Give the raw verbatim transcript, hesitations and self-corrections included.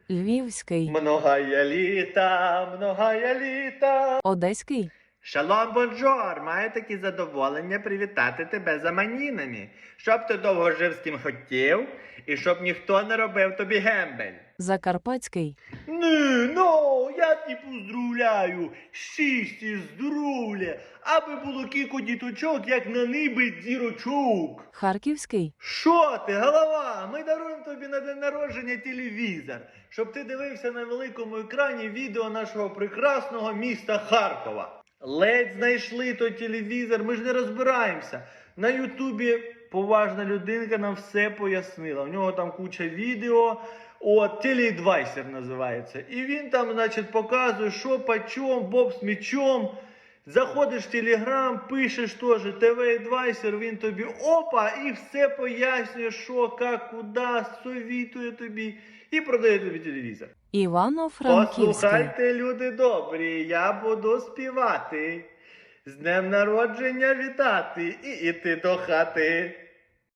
Львівський. Многая літа, многая літа. Одеський. Шалом, бонжор! Маю таке задоволення привітати тебе з іменинами. Щоб ти довго жив з ким хотів, і щоб ніхто не робив тобі гембель. Закарпатський. Не, ну, я ті поздравляю, щасті, здоров'я, аби було кілька діточок, як на ниби дірочок. Харківський. Що ти, голова? Ми даруємо тобі на день народження телевізор, щоб ти дивився на великому екрані відео нашого прекрасного міста Харкова. Ледь знайшли той телевізор, ми ж не розбираємося. На Ютубі поважна людинка нам все пояснила. У нього там куча відео, от, телеадвайсер називається. І він там, значить, показує, що почем, боб з мечом. Заходиш в Телеграм, пишеш теж ті ві-адвайсер, він тобі опа, і все пояснює, що, як, куди, совітує тобі і продає тобі телевізор. Івано-Франківський. Послухайте, люди добрі, я буду співати, з днем народження вітати і іти до хати.